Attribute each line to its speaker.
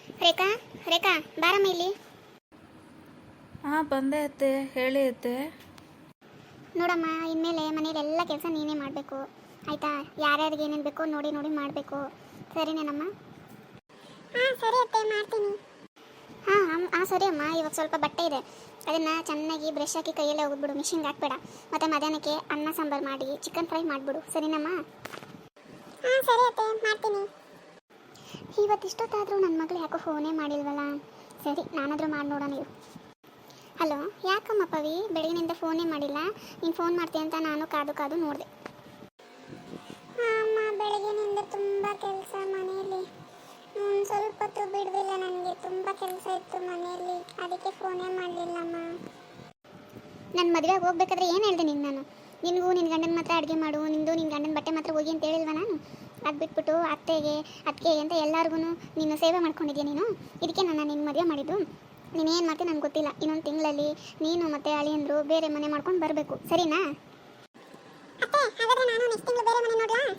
Speaker 1: ರೇಖಾ ರೇಖಾ ಬಾರಮ್ಮ ಇಲ್ಲಿ.
Speaker 2: ಹಾಂ ಬಂದೆ ಅತ್ತೆ, ಹೇಳಿ ಅತ್ತೆ.
Speaker 1: ನೋಡಮ್ಮ, ಇನ್ಮೇಲೆ ಮನೇಲಿ ಎಲ್ಲ ಕೆಲಸ ನೀನೇ ಮಾಡಬೇಕು ಆಯಿತಾ? ಯಾರ್ಯಾರಿಗೆ ಏನೇನು ಬೇಕೋ ನೋಡಿ ನೋಡಿ ಮಾಡಬೇಕು, ಸರಿನೇನಮ್ಮ? ಹಾಂ ಸರಿ ಅತ್ತೆ, ಮಾಡ್ತೀನಿ. ಹಾಂ ಸರಿ ಅಮ್ಮ. ಇವಾಗ ಸ್ವಲ್ಪ ಬಟ್ಟೆ ಇದೆ, ಅದನ್ನು ಚೆನ್ನಾಗಿ ಬ್ರಷ್ ಹಾಕಿ ಕೈಯಲ್ಲೇ ಹೋಗ್ಬಿಡು, ಮಿಷಿನ್ಗೆ ಹಾಕ್ಬೇಡ. ಮತ್ತು ಮಧ್ಯಾಹ್ನಕ್ಕೆ ಅನ್ನ ಸಾಂಬಾರು ಮಾಡಿ ಚಿಕನ್ ಫ್ರೈ ಮಾಡಿಬಿಡು, ಸರಿನಮ್ಮ? ಹಾಂ ಸರಿ ಅತ್ತೆ, ಮಾಡ್ತೀನಿ. ಇವತ್ತಿಷ್ಟೊತ್ತಾದರೂ ನನ್ನ ಮಗಳು ಯಾಕೋ ಫೋನೇ ಮಾಡಿಲ್ವಲ್ಲ? ಸರಿ, ನಾನಾದರೂ ಮಾಡಿ ನೋಡೋಣ ಇರು. ಹಲೋ, ಯಾಕಮ್ಮ ಪವಿ ಬೆಳಗಿನಿಂದ ಫೋನೇ ಮಾಡಿಲ್ಲ? ನೀನು ಫೋನ್ ಮಾಡ್ತೀಯ ಅಂತ ನಾನು ಕಾದು ಕಾದು ನೋಡಿದೆ. ಅಮ್ಮ, ಬೆಳಗಿನಿಂದ ತುಂಬ ಕೆಲಸ ಮನೆಯಲ್ಲಿ, ಸ್ವಲ್ಪ ಹೊತ್ತು ಬಿಡಲಿಲ್ಲ, ನನಗೆ ತುಂಬ ಕೆಲಸ ಇತ್ತು ಮನೆಯಲ್ಲಿ, ಅದಕ್ಕೆ ಫೋನೇ ಮಾಡಲಿಲ್ಲಮ್ಮ. ನನ್ನ ಮದುವೆಗೆ ಹೋಗ್ಬೇಕಾದ್ರೆ ಏನು ಹೇಳಿದೆ ನಾನು? ನಿನಗೂ ನಿನ್ನ ಗಂಡನ ಮಾತ್ರ ಅಡುಗೆ ಮಾಡು, ನಿನ್ನ ಗಂಡನ ಬಟ್ಟೆ ಮಾತ್ರ ಹೋಗಿ ಅಂತ ಹೇಳಿಲ್ವ ನಾನು? ಅದು ಬಿಟ್ಬಿಟ್ಟು ಅತ್ತೆಗೆ ಅಂತ ಎಲ್ಲರಿಗೂ ನೀನು ಸೇವೆ ಮಾಡ್ಕೊಂಡಿದ್ಯಾ ನೀನು. ಇದಕ್ಕೆ ನಾನು ನಿನ್ನ ಮದುವೆ ಮಾಡಿದ್ದು. ನೀನೇನು ಮಾಡ್ತೀನಿ ನನಗೆ ಗೊತ್ತಿಲ್ಲ. ಇನ್ನೊಂದು ತಿಂಗಳಲ್ಲಿ ನೀನು ಮತ್ತು ಅಳಿಯಂದರು ಬೇರೆ ಮನೆ ಮಾಡ್ಕೊಂಡು ಬರಬೇಕು, ಸರಿನಾ? ಅತ್ತೆ, ಹಾಗಾದ್ರೆ ನಾನು ನೆಕ್ಸ್ಟ್ ತಿಂಗಳು ಬೇರೆ ಮನೆ ನೋಡಲಾ?